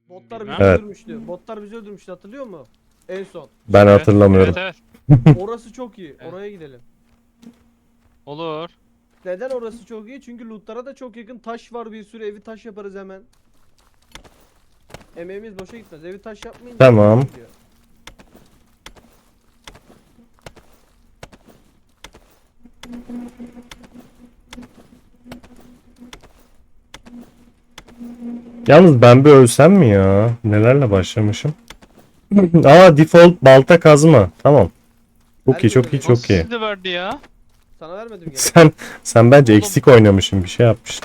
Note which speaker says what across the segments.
Speaker 1: Botlar bizi
Speaker 2: Evet.
Speaker 1: öldürmüştü. Botlar bizi öldürmüştü, hatırlıyor musun? En son.
Speaker 2: Ben hatırlamıyorum.
Speaker 3: Evet.
Speaker 1: Orası çok iyi.
Speaker 3: Evet.
Speaker 1: Oraya gidelim.
Speaker 3: Olur.
Speaker 1: Neden orası çok iyi? Çünkü lootlara da çok yakın. Taş var, bir sürü evi taş yaparız hemen. Emeğimiz boşa gitmez. Evi taş yapmayınca
Speaker 2: Tamam.
Speaker 1: boşa gidiyor.
Speaker 2: Yalnız ben bir ölsem mi ya? Nelerle başlamışım? Aa, default balta kazma. Tamam. Çok iyi, çok iyi,
Speaker 3: O
Speaker 2: çok iyi.
Speaker 3: sizi verdi ya.
Speaker 1: Sana vermedim gene.
Speaker 2: Sen bence
Speaker 3: Oğlum.
Speaker 2: eksik oynamışsın, bir şey yapmışsın.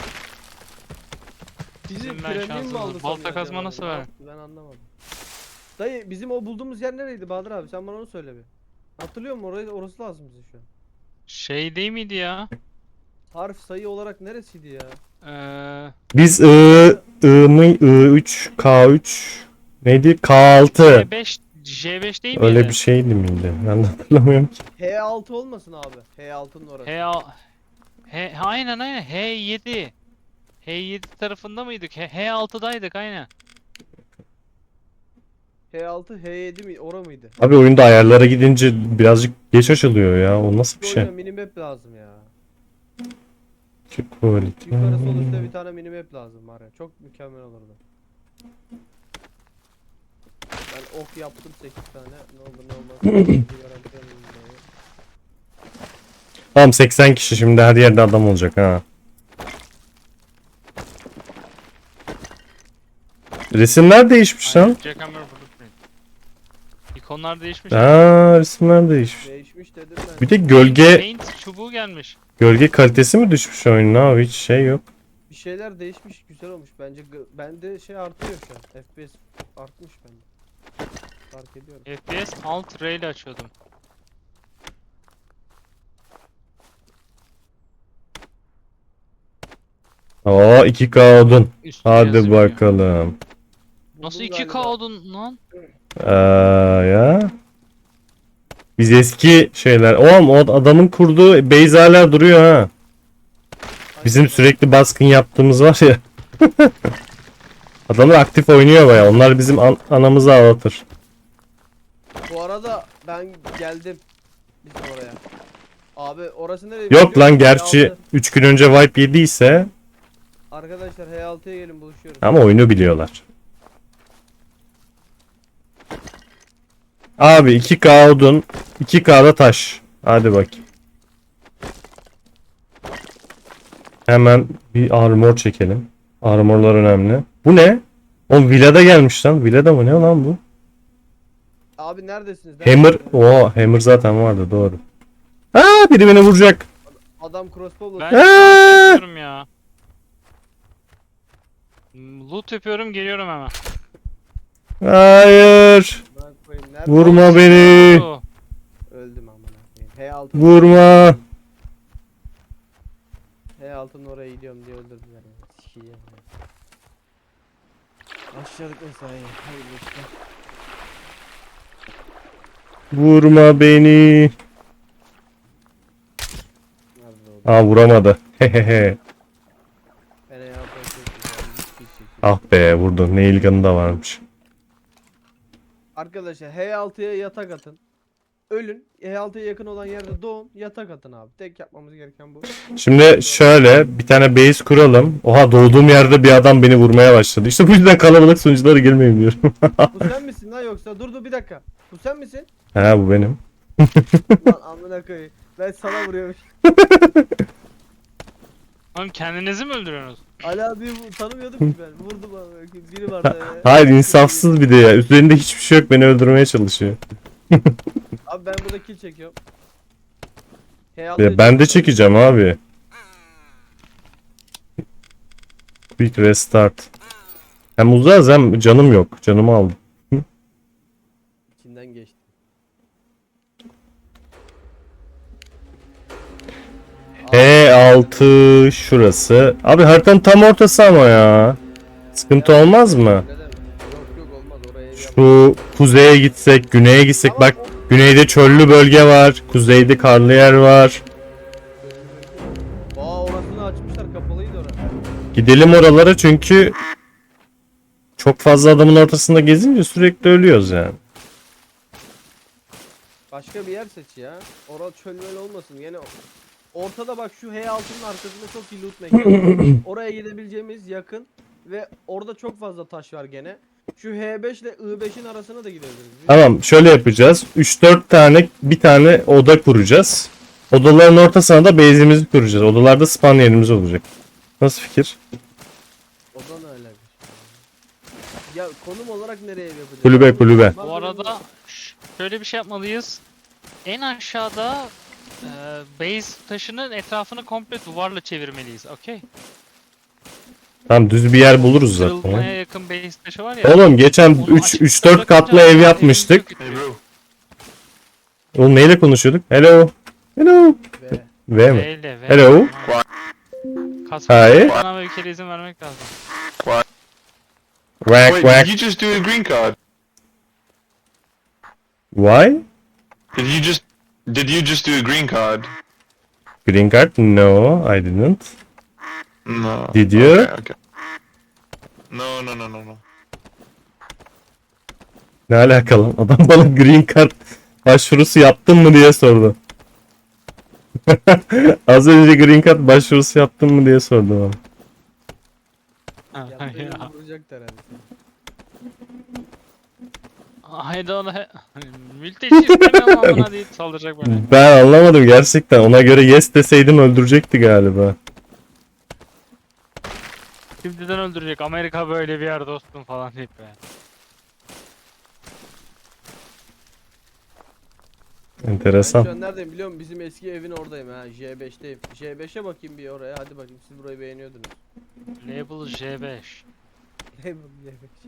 Speaker 1: Bizim
Speaker 3: Ben
Speaker 1: premium
Speaker 3: şanssızım.
Speaker 1: mu aldı
Speaker 3: Balta
Speaker 1: sanıyor
Speaker 3: kazma
Speaker 1: acaba?
Speaker 3: nasıl
Speaker 1: Ne
Speaker 3: ver?
Speaker 1: yaptı? Ben anlamadım. Dayı bizim o bulduğumuz yer nereydi Bahadır abi? Sen bana onu söyle bir. Hatırlıyor musun? Orası lazım bize şu an.
Speaker 3: Şey değil miydi ya?
Speaker 1: Harf sayı olarak neresiydi ya?
Speaker 2: Biz I3, K3 neydi? K6.
Speaker 3: J5 değil miydi?
Speaker 2: Öyle bir şeydi miydi? Ben de hatırlamıyorum ki.
Speaker 1: H6 olmasın abi. H6'nın orası.
Speaker 3: Aynen H7. H7 tarafında mıydık? H6'daydık aynen.
Speaker 1: H6, H7 mi? Ora mıydı?
Speaker 2: Abi oyunda ayarlara gidince birazcık geç açılıyor ya. O nasıl bir
Speaker 1: Bu
Speaker 2: şey?
Speaker 1: oyuna minimap lazım ya.
Speaker 2: Çok quality.
Speaker 1: Yukarı sol üstte bir tane minimap lazım var ya. Çok mükemmel olurdu. Ben ok yaptım 8 tane. Ne olur ne olmaz. Bir garanti alayım burayı.
Speaker 2: Tamam, 80 kişi şimdi her yerde adam olacak ha. Resimler değişmiş
Speaker 3: Aynen.
Speaker 2: lan.
Speaker 3: Jackhammer Blueprint. İkonlar değişmiş.
Speaker 2: Aa, resimler değişmiş.
Speaker 1: Değişmiş dedim ben.
Speaker 2: Bir de gölge
Speaker 3: Paint çubuğu gelmiş.
Speaker 2: kalitesi mi düşmüş oyunun abi, hiç şey yok.
Speaker 1: Bir şeyler değişmiş, güzel olmuş bence. Bende şey artıyor şu an. FPS artmış bende. Fark ediyorum.
Speaker 3: FPS Alt R ile açıyordum.
Speaker 2: Aa, 2K odun.
Speaker 3: Üstüne
Speaker 2: Hadi
Speaker 3: yazıyor.
Speaker 2: bakalım.
Speaker 3: Nasıl
Speaker 1: Buldum
Speaker 3: 2K
Speaker 1: galiba.
Speaker 3: oldun lan?
Speaker 2: Ya. Biz eski şeyler. Oğlum, o adamın kurduğu base hala duruyor ha. Bizim sürekli baskın yaptığımız var ya. Adamlar aktif oynuyor baya. Onlar bizim anamızı ağlatır.
Speaker 1: Bu arada ben geldim. Bizim oraya. Abi orası nereye?
Speaker 2: Yok lan,
Speaker 1: biliyor musun?
Speaker 2: gerçi
Speaker 1: H6.
Speaker 2: 3 gün önce wipe yediyse
Speaker 1: Arkadaşlar H6'ya gelin buluşuyoruz.
Speaker 2: ama oyunu biliyorlar. Abi 2K odun, 2K'da taş. Hadi bakayım. Hemen bir armor çekelim. Armorlar önemli. Bu ne? O villada gelmiş lan. Villada mı ne lan bu?
Speaker 1: Abi neredesiniz?
Speaker 2: Hammer. Oo, hammer zaten vardı, doğru. Aa, biri beni vuracak.
Speaker 1: Adam crossbow
Speaker 3: Ben yapıyorum ya. Loot yapıyorum, geliyorum hemen.
Speaker 2: Hayır. Vurma beni.
Speaker 3: Oo.
Speaker 1: Öldüm amına koyayım. H6.
Speaker 2: Vurma.
Speaker 1: H6'nın oraya gidiyorum diye öldürdüler ya. Sikiyim ya. Başladık mesai. Hayırlı işler.
Speaker 2: Vurma beni.
Speaker 1: Nerede oldu?
Speaker 2: Aa, vuramadı. Hehehe.
Speaker 1: Ben H6'ya çok güzel bir şey çekeyim.
Speaker 2: Ah be, vurdu. Nail gun'ı da varmış.
Speaker 1: Arkadaşlar H6'ya yatak atın. Ölün. H6'ya yakın olan yerde doğun. Yatak atın abi. Tek yapmamız gereken bu.
Speaker 2: Şimdi şöyle bir tane base kuralım. Oha, doğduğum yerde bir adam beni vurmaya başladı. İşte bu yüzden kalabalık sunuculara girmeyin diyorum.
Speaker 1: Bu sen misin lan yoksa? Dur bir dakika. Bu sen misin?
Speaker 2: He, bu benim.
Speaker 1: Lan amına koyayım. Ben sana vuruyormuş.
Speaker 3: Oğlum kendinizi mi öldürüyorsunuz?
Speaker 1: Ali abi tanımıyordum ki ben. Vurdum abi. Biri vardı.
Speaker 2: Hayır, insafsız bir de ya. Üzerinde hiçbir şey yok, beni öldürmeye çalışıyor.
Speaker 1: Abi ben burada kill çekiyorum.
Speaker 2: Ya ben de çekeceğim abi. Quick restart. Hem uzağız hem canım yok. Canımı aldım.
Speaker 1: İçinden geçti.
Speaker 2: E6 şurası. Abi haritanın tam ortası ama ya. Sıkıntı olmaz mı?
Speaker 1: Neden? Yok olmaz oraya ev yap.
Speaker 2: Şu kuzeye gitsek, güneye gitsek. Bak, güneyde çöllü bölge var. Kuzeyde karlı yer var.
Speaker 1: Orasını açmışlar, kapalıydı orası.
Speaker 2: Gidelim oralara çünkü çok fazla adamın ortasında gezince sürekli ölüyoruz yani.
Speaker 1: Başka bir yer seç ya. Orada çölmeli olmasın. Yani ortada bak şu H6'nın arkasında çok iyi loot mekanı var. Oraya gidebileceğimiz yakın ve orada çok fazla taş var gene. Şu H5 ile I5'in arasına da gidebiliriz.
Speaker 2: Tamam, şöyle yapacağız. 3-4 tane bir tane oda kuracağız. Odaların ortasına da base'imizi kuracağız. Odalarda spawn yerimiz olacak. Nasıl fikir?
Speaker 1: O da ne öyle bir şey. Ya konum olarak nereye yapacağız?
Speaker 2: Kulübe, kulübe.
Speaker 3: Bu arada şöyle bir şey yapmalıyız. En aşağıda base taşının etrafını komple duvarla çevirmeliyiz. Okey.
Speaker 2: Tamam, düz bir yer buluruz zaten.
Speaker 3: Kırılmaya yakın base taşı var ya.
Speaker 2: Oğlum geçen
Speaker 3: onu
Speaker 2: 3-4
Speaker 3: açıkta
Speaker 2: katlı
Speaker 3: bırakınca
Speaker 2: ev
Speaker 3: evimizi
Speaker 2: yapmıştık.
Speaker 3: yok
Speaker 4: Hey
Speaker 3: ediyor.
Speaker 4: bro.
Speaker 2: Oğlum neyle konuşuyorduk? Hello. Hello.
Speaker 1: Ve
Speaker 2: V mi?
Speaker 3: Öyle ve.
Speaker 2: Hello. Hi.
Speaker 3: Bana bir kere izin vermek lazım.
Speaker 2: Quack
Speaker 4: Wait,
Speaker 2: quack.
Speaker 4: did you just do a green card?
Speaker 2: Why?
Speaker 4: Did you just do a green card?
Speaker 2: Green card? No, I didn't.
Speaker 4: No.
Speaker 2: Did you?
Speaker 4: Okay, okay. No.
Speaker 2: Ne alakalı? Adam bana green card başvurusu yaptın mı diye sordu. Az önce green card başvurusu yaptın mı diye sordu bana.
Speaker 1: yaptığı
Speaker 3: Ya.
Speaker 1: vuracaktır herhalde.
Speaker 3: I don't mülteci istemiyorum amına deyip saldıracak beni.
Speaker 2: Ben anlamadım gerçekten. Ona göre yes deseydim öldürecekti galiba.
Speaker 3: Şimdiden öldürecek. Amerika böyle bir yer dostum falan deyip be.
Speaker 1: Ben
Speaker 2: Enteresan.
Speaker 1: şu an neredeyim biliyor musun? Bizim eski evin oradayım ha. J5'teyim. J5'e bakayım bir oraya. Hadi bakayım siz burayı beğeniyordunuz.
Speaker 3: Label J5.
Speaker 1: Ne bu J5?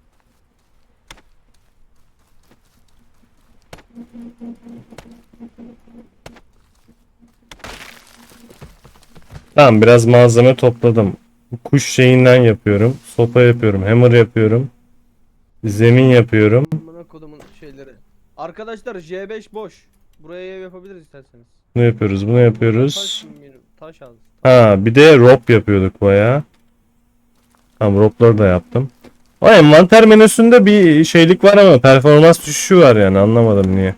Speaker 2: Tamam, biraz malzeme topladım. Kuş şeyinden yapıyorum. Sopa yapıyorum. Hammer yapıyorum. Zemin yapıyorum.
Speaker 1: Amına kodumun şeyleri. Arkadaşlar J5 boş. Buraya ev yapabiliriz isterseniz.
Speaker 2: Ne yapıyoruz? Bunu yapıyoruz.
Speaker 1: Taş al.
Speaker 2: Ha, bir de rope yapıyorduk bayağı. Tamam, rope'ları da yaptım. O envanter menüsünde bir şeylik var ama performans düşüşü var yani, anlamadım niye.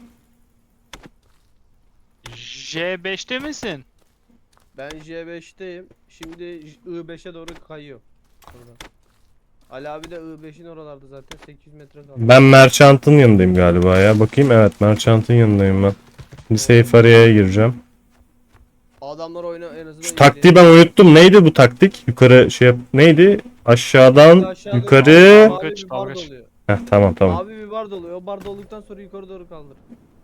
Speaker 3: J5'te misin?
Speaker 1: Ben J5'teyim. Şimdi I5'e doğru kayıyor. Burada. Ali abi de I5'in oralarda zaten 800 metre kaldı.
Speaker 2: Ben Merchant'ın yanındayım galiba ya. Bakayım, evet, Merchant'ın yanındayım ben. Şimdi safe area'ya gireceğim.
Speaker 1: Adamlar oyunu en azından
Speaker 2: Şu taktiği ben unuttum. Neydi bu taktik? Yukarı şey yap. Neydi? Aşağıdan
Speaker 1: Aşağıda
Speaker 2: yukarı.
Speaker 1: mavi
Speaker 3: Dalgıç,
Speaker 1: bir bar
Speaker 3: dalgıç.
Speaker 1: doluyor.
Speaker 2: Heh, tamam tamam.
Speaker 1: Mavi bir bar doluyor. O bar dolduktan sonra yukarı doğru kaldır.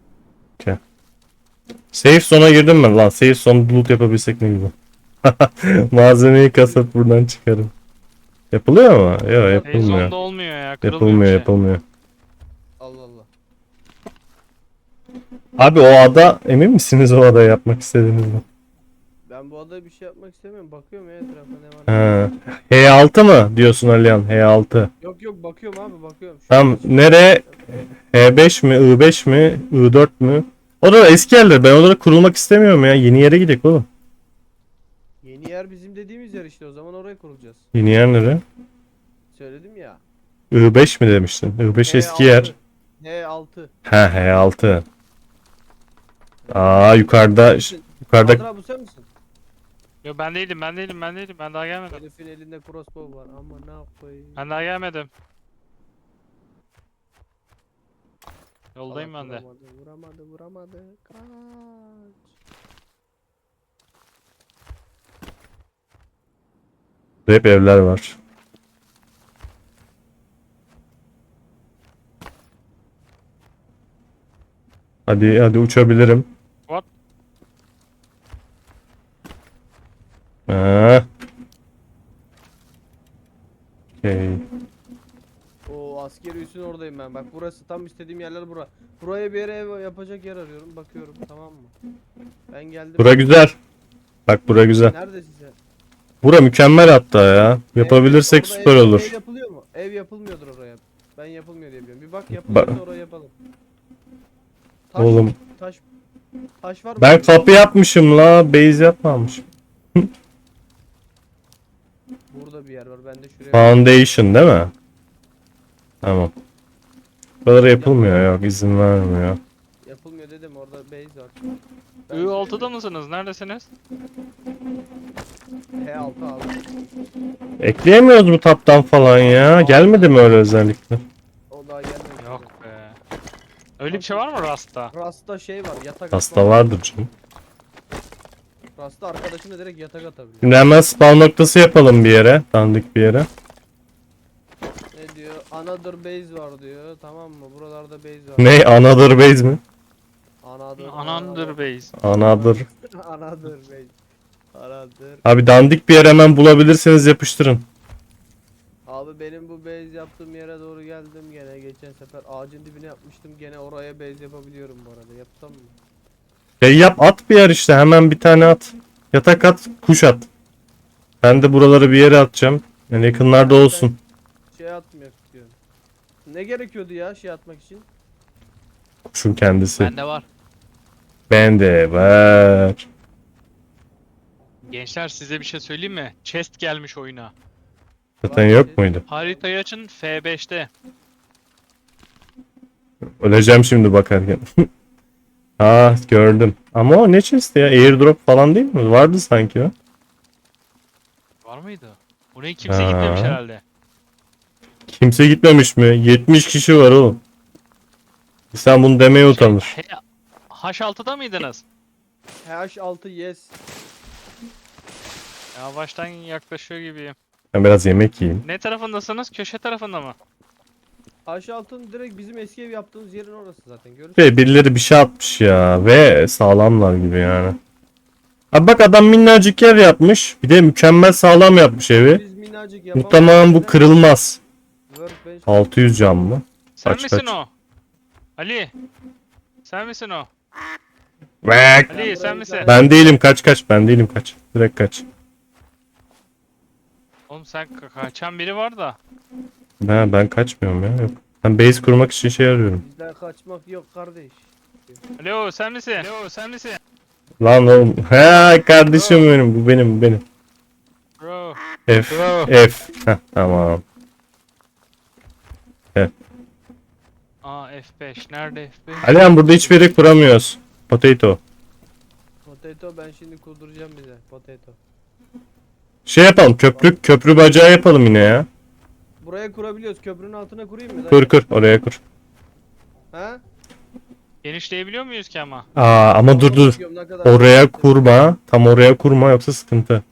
Speaker 2: Safe zone'a girdim ben lan. Safe zone loot yapabilsek ne güzel. Malzemeyi kasıp buradan çıkarım. Yapılıyor mu? Yok, yapılmıyor.
Speaker 3: Heyzonda olmuyor ya. Kırılmıyor
Speaker 2: Yapılmıyor,
Speaker 3: bir şey.
Speaker 2: yapılmıyor.
Speaker 1: Allah Allah.
Speaker 2: Abi o ada, emin misiniz o adayı yapmak istediğinizde?
Speaker 1: Ben bu adada bir şey yapmak istemiyorum. Bakıyorum ya etrafa ne var.
Speaker 2: Ha. H6 mı diyorsun Alihan? H6.
Speaker 1: Yok yok bakıyorum abi bakıyorum. Şu
Speaker 2: Tamam,
Speaker 1: an-
Speaker 2: nere? H5 mi? I5 mi? I4 mü? O da eski yerler. Ben orada kurulmak istemiyorum ya. Yeni yere gidelim oğlum.
Speaker 1: Yeni yer bizim dediğimiz yer işte o zaman oraya kurulacağız.
Speaker 2: Yeni yer nere?
Speaker 1: Söyledim ya.
Speaker 2: I5 mi demiştin? I5 eski
Speaker 1: H6.
Speaker 2: yer.
Speaker 1: H6.
Speaker 2: Ha, H6. Aa, yukarıda yukarıda
Speaker 1: Bahadır abi bu sen misin?
Speaker 3: Yo ben değilim. Ben daha gelmedim.
Speaker 1: Herifin elinde crossbow var ama ne yapayım?
Speaker 3: Ben daha gelmedim. Yoldayım ben de.
Speaker 1: Vuramadı. Kaç.
Speaker 2: hep evler var. Hadi uçabilirim.
Speaker 3: What?
Speaker 2: Ha. Okay.
Speaker 1: O askeri üssün oradayım ben. Bak burası tam istediğim yerler bura. Buraya bir yere ev yapacak yer arıyorum. Bakıyorum tamam mı? Ben geldim.
Speaker 2: Bura güzel. Bak bura güzel.
Speaker 1: Neredesin sen?
Speaker 2: Bura mükemmel hatta ya. Yapabilirsek
Speaker 1: Orada
Speaker 2: süper
Speaker 1: ev
Speaker 2: olur.
Speaker 1: yapılıyor mu? Ev yapılmıyordur oraya. Ben yapılmıyor diye biliyorum. Bir bak yapılıyorsa oraya yapalım. Taş,
Speaker 2: Oğlum.
Speaker 1: Taş var mı?
Speaker 2: Ben kapı yapmışım la. Base yapmamışım.
Speaker 1: Burada bir yer var. Ben de şuraya.
Speaker 2: Foundation değil mi? Tamam. Buralara yapılmıyor, yok izin vermiyor.
Speaker 1: Yapılmıyor dedim, orada base var.
Speaker 3: I6'da mısınız? Neredesiniz?
Speaker 1: H6 abi.
Speaker 2: Ekleyemiyoruz mu taptan falan ya? Gelmedi mi öyle özellikle?
Speaker 1: O daha gelmemiş.
Speaker 3: Yok be. Öyle bir şey var mı Rust'ta?
Speaker 1: Rasta şey var, yatak
Speaker 2: Hasta
Speaker 1: atma.
Speaker 2: vardır canım.
Speaker 1: Rasta arkadaşına direkt yatak atabiliyor.
Speaker 2: Şimdi hemen spawn noktası yapalım bir yere. Dandik bir yere.
Speaker 1: Ne diyor? Another base var diyor. Tamam mı? Buralarda base var.
Speaker 2: Ne? Another base mi?
Speaker 3: Another base.
Speaker 2: Another.
Speaker 1: Another base. Another.
Speaker 2: Abi dandik bir yer hemen bulabilirseniz yapıştırın.
Speaker 1: Abi benim bu base yaptığım yere doğru geldim gene. Geçen sefer ağacın dibine yapmıştım. Gene oraya base yapabiliyorum bu arada. Yapsam mı?
Speaker 2: Yap at bir yer işte, hemen bir tane at. Yatak at, kuş at. Ben de buraları bir yere atacağım. Yani yakınlarda olsun.
Speaker 1: Şey atmak istiyorum. Ne gerekiyordu ya şey atmak için?
Speaker 2: Kuşun kendisi.
Speaker 3: Bende var.
Speaker 2: Bende var.
Speaker 3: Gençler size bir şey söyleyeyim mi? Chest gelmiş oyuna.
Speaker 2: Zaten yok muydu?
Speaker 3: Haritayı açın F5'te.
Speaker 2: Öleceğim şimdi bakarken. Ha gördüm. Ama o ne chest ya? Airdrop falan değil mi? Vardı sanki o.
Speaker 3: Var mıydı? Oraya kimse
Speaker 2: Ha.
Speaker 3: gitmemiş herhalde.
Speaker 2: Kimse gitmemiş mi? 70 kişi var oğlum. Sen bunu demeye utanır.
Speaker 3: H6'da mıydınız?
Speaker 1: H6 yes.
Speaker 3: Yavaştan yaklaşıyor gibiyim.
Speaker 2: Ben biraz yemek yiyeyim.
Speaker 3: Ne tarafındasınız? Köşe tarafında mı?
Speaker 1: H6'ın direkt bizim eski ev yaptığımız yerin orası zaten. Görürsün.
Speaker 2: Ve birileri bir şey atmış ya. Ve sağlamlar gibi yani. Abi bak adam minnacık yer yapmış. Bir de mükemmel sağlam yapmış evi.
Speaker 1: Biz minnacık yapamayız.
Speaker 2: Muhtemelen bu kırılmaz.
Speaker 1: Workbench
Speaker 2: 600 cam mı?
Speaker 3: Sen
Speaker 2: Kaç,
Speaker 3: misin
Speaker 2: kaç?
Speaker 3: o? Ali. Sen misin o?
Speaker 2: Vek!
Speaker 3: Ali sen misin?
Speaker 2: Ben değilim, kaç. Ben değilim, kaç. Direkt kaç.
Speaker 3: Oğlum sen kaçan biri var da.
Speaker 2: Ben kaçmıyorum ya. Yok. Ben base kurmak için şey arıyorum.
Speaker 1: bizden kaçmak yok kardeş.
Speaker 3: Alo sen misin? Alo sen misin?
Speaker 2: Lan oğlum. He kardeşim benim. Bu benim.
Speaker 3: Bro.
Speaker 2: F. Heh, tamam.
Speaker 3: Aa F5. Nerede F5?
Speaker 2: Alihan burada hiçbir yere kuramıyoruz. Potato.
Speaker 1: Potato ben şimdi kurduracağım bize. Potato.
Speaker 2: Şey yapalım, köprü bacağı yapalım yine ya.
Speaker 1: Buraya kurabiliyoruz. Köprünün altına kurayım mı?
Speaker 2: Kur oraya kur.
Speaker 1: Ha?
Speaker 3: Genişleyebiliyor muyuz ki ama?
Speaker 2: Aa ama dur.
Speaker 1: Bakıyorum ne kadar-
Speaker 2: Oraya kurma. Tam oraya kurma yoksa sıkıntı.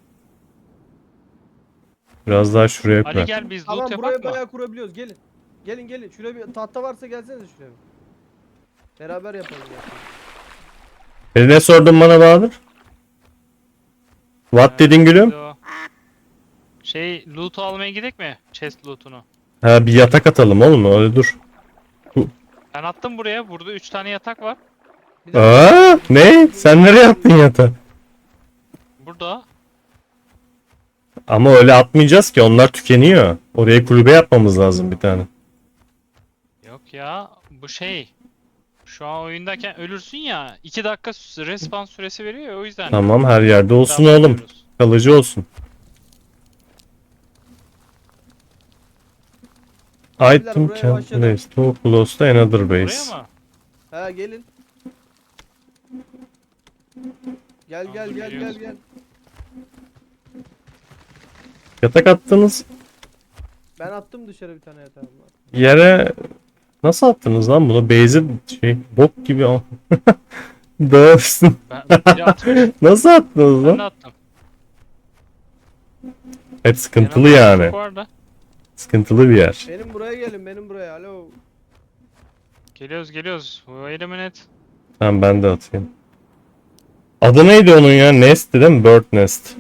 Speaker 2: Biraz daha şuraya
Speaker 3: Ali
Speaker 2: kur.
Speaker 3: gel biz
Speaker 1: Tamam
Speaker 3: loot
Speaker 1: buraya
Speaker 3: yapak mı?
Speaker 1: bayağı kurabiliyoruz. Gelin. Gelin. Şuraya bir tahta varsa gelsenize şuraya. Beraber yapalım ya.
Speaker 2: Ne sordun bana Bahadır? What dedin gülüm?
Speaker 3: O. Şey loot'u almaya gidelim mi? Chest loot'unu.
Speaker 2: Ha bir yatak atalım oğlum, öyle dur.
Speaker 3: Ben attım buraya. Burada 3 tane yatak var.
Speaker 1: Bir dakika.
Speaker 2: Aa ne? Sen nereye attın yatağı?
Speaker 3: Burada.
Speaker 2: Ama öyle atmayacağız ki, onlar tükeniyor. Oraya kulübe yapmamız lazım bir tane.
Speaker 3: Yok ya. Bu şey. Şu an oyundayken ölürsün ya. 2 dakika respawn süresi veriyor ya o yüzden.
Speaker 2: Tamam, her yerde olsun
Speaker 3: Daha
Speaker 2: oğlum.
Speaker 3: bakıyoruz.
Speaker 2: Kalıcı olsun.
Speaker 1: Abiler,
Speaker 2: Item
Speaker 1: buraya
Speaker 2: can
Speaker 1: başladım.
Speaker 2: place to close to another
Speaker 3: Buraya
Speaker 2: base.
Speaker 3: mı?
Speaker 1: Ha gelin. Gel
Speaker 3: Tamam,
Speaker 1: gel
Speaker 3: dur,
Speaker 1: gel
Speaker 3: geliyoruz.
Speaker 1: gel gel.
Speaker 2: Yatak attınız
Speaker 1: Ben attım dışarı bir tane yatağım var.
Speaker 2: yere, nasıl attınız lan bunu? Base'i şey bok gibi al. Dağılsın.
Speaker 3: Biri atmış.
Speaker 2: Nasıl attınız
Speaker 3: Ben de
Speaker 2: lan?
Speaker 3: attım.
Speaker 2: Evet, sıkıntılı
Speaker 3: Yanımda
Speaker 2: yani.
Speaker 3: çocuk var da.
Speaker 2: Sıkıntılı bir yer.
Speaker 1: Benim buraya gelin benim buraya. Alo.
Speaker 3: Geliyoruz. Wait a minute.
Speaker 2: Tamam ben de atayım. Adı neydi onun ya? Nest'ti değil mi? Bird Nest.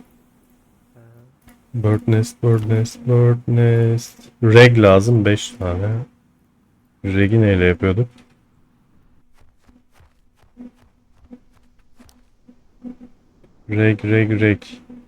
Speaker 2: Bird Nest. Reg lazım 5 tane. Reg'i neyle yapıyorduk? Reg.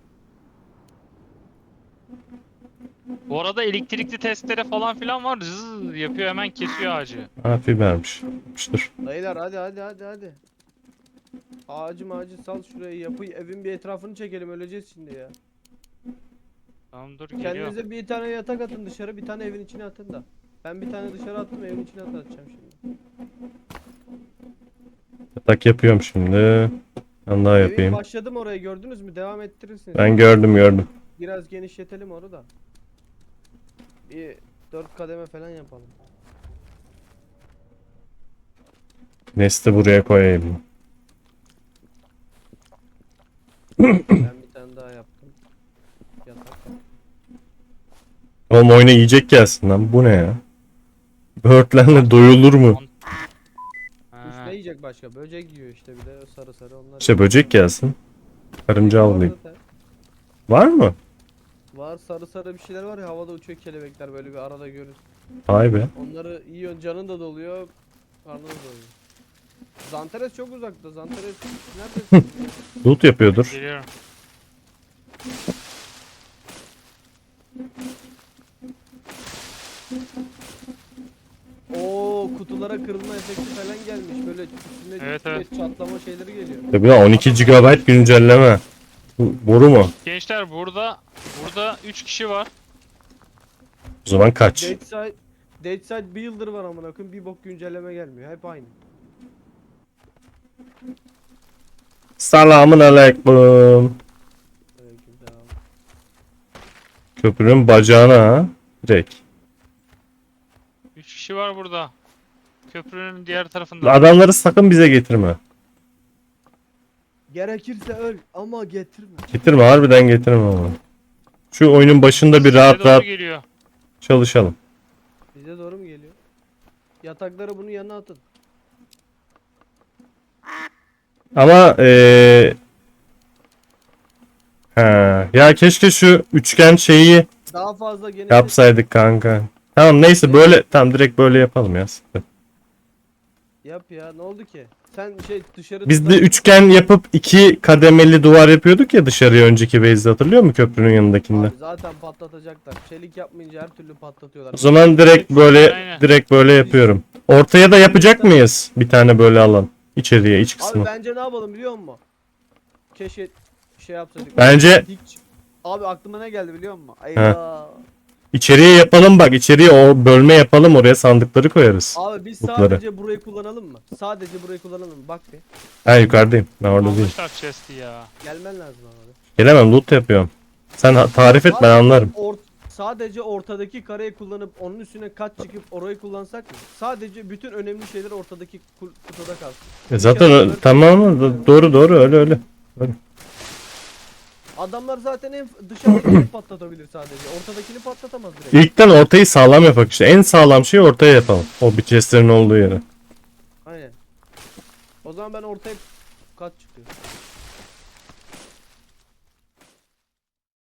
Speaker 3: Bu arada elektrikli testere falan filan var. Zzzz yapıyor hemen kesiyor ağacı.
Speaker 2: Ha fibermiş. Yapmıştır.
Speaker 1: Dayılar hadi. Ağacı sal şuraya yapı evin bir etrafını çekelim öleceğiz şimdi ya.
Speaker 3: Tamam dur geliyor.
Speaker 1: Kendinize bir tane yatak atın dışarı bir tane evin içine atın da. Ben bir tane dışarı attım, evin içine atacağım şimdi.
Speaker 2: Yatak yapıyorum şimdi. Ben daha
Speaker 1: Evin
Speaker 2: yapayım.
Speaker 1: başladım, oraya gördünüz mü? Devam ettirirsiniz.
Speaker 2: Ben gördüm.
Speaker 1: Biraz genişletelim onu da. Bir 4 kademe falan yapalım.
Speaker 2: Nesti buraya koyayım.
Speaker 1: Ben bir tane daha yaptım. Yatak.
Speaker 2: Oğlum oyuna yiyecek gelsin lan. Bu ne ya? Böğürtlenle doyulur mu?
Speaker 1: Kuş
Speaker 3: Ha.
Speaker 1: ne yiyecek başka? Böcek yiyor işte, bir de sarı sarı onlar.
Speaker 2: İşte böcek gelsin. Karınca
Speaker 1: Var
Speaker 2: avlayayım.
Speaker 1: zaten.
Speaker 2: Var mı?
Speaker 1: Var, sarı sarı bir şeyler var ya, havada uçuyor kelebekler, böyle bir arada görün.
Speaker 2: Vay be.
Speaker 1: Onları yiyorsun, canın da doluyor, karnın da doyuyor. Zanteres çok uzakta. Zanteres neredesin?
Speaker 2: Loot yapıyordur.
Speaker 3: Geliyorum.
Speaker 1: Oo, kutulara kırılma efekti falan gelmiş. Böyle üstüne
Speaker 3: Evet,
Speaker 1: üstüne
Speaker 3: evet.
Speaker 1: çatlama şeyleri geliyor.
Speaker 2: Tabii ya 12 GB güncelleme. Bu boru mu?
Speaker 3: Gençler burada 3 kişi var.
Speaker 2: O zaman kaç?
Speaker 1: Deadside Builder var amına koyayım, bir bok güncelleme gelmiyor. Hep aynı.
Speaker 2: Selamun aleyküm.
Speaker 1: Aleykümselam.
Speaker 2: Köprünün bacağına ha. Direkt.
Speaker 3: 3 kişi var burada. Köprünün diğer tarafında.
Speaker 2: Adamları sakın bize getirme.
Speaker 1: Gerekirse öl ama getirme.
Speaker 2: Getirme, harbiden getirme ama. Şu oyunun başında bir
Speaker 3: Size
Speaker 2: rahat
Speaker 3: doğru
Speaker 2: rahat
Speaker 3: geliyor.
Speaker 2: çalışalım.
Speaker 1: Bize doğru mu geliyor? Yatakları bunun yanına atın.
Speaker 2: Ama ha, ya keşke şu üçgen şeyi
Speaker 1: Daha fazla geniş.
Speaker 2: yapsaydık kanka. Tamam neyse böyle tam direkt böyle yapalım ya.
Speaker 1: Yap ya, ne oldu ki? Sen şey dışarı
Speaker 2: Biz de üçgen yapıp iki kademeli duvar yapıyorduk ya dışarıya önceki base'de, hatırlıyor musun köprünün yanındakinde?
Speaker 1: Abi zaten patlatacaklar. Çelik yapmayınca her türlü patlatıyorlar.
Speaker 2: O zaman direkt böyle
Speaker 3: Aynen.
Speaker 2: direkt böyle yapıyorum. Ortaya da yapacak mıyız? Bir tane böyle alan. İçeriye, iç
Speaker 1: Abi
Speaker 2: kısmı.
Speaker 1: bence ne yapalım biliyor musun? Keşke şey yapsaydık.
Speaker 2: Bence
Speaker 1: Abi aklıma ne geldi biliyor musun? Eyvah.
Speaker 2: içeriye yapalım bak. İçeriye o bölme yapalım. Oraya sandıkları koyarız.
Speaker 1: Abi biz
Speaker 2: Mutları.
Speaker 1: sadece burayı kullanalım mı? Sadece burayı kullanalım mı? Bak bir.
Speaker 2: Ben yukarıdayım. Ben orada değilim.
Speaker 3: Almışlar chest'i ya.
Speaker 1: Gelmen lazım abi.
Speaker 2: Gelemem, loot yapıyorum. Sen tarif et, ben anlarım.
Speaker 1: Sadece ortadaki kareyi kullanıp onun üstüne kat çıkıp orayı kullansak mı? Sadece bütün önemli şeyler ortadaki kutuda kalsın.
Speaker 2: Zaten tamam mı? Doğru öyle.
Speaker 1: Adamlar zaten en dışarıdakini patlatabilir sadece. Ortadakini patlatamaz direkt.
Speaker 2: İlkten ortayı sağlam yapak işte. En sağlam şeyi ortaya yapalım. O bir chestlerin olduğu yere.
Speaker 1: Aynen. O zaman ben ortaya kat çıkıyor.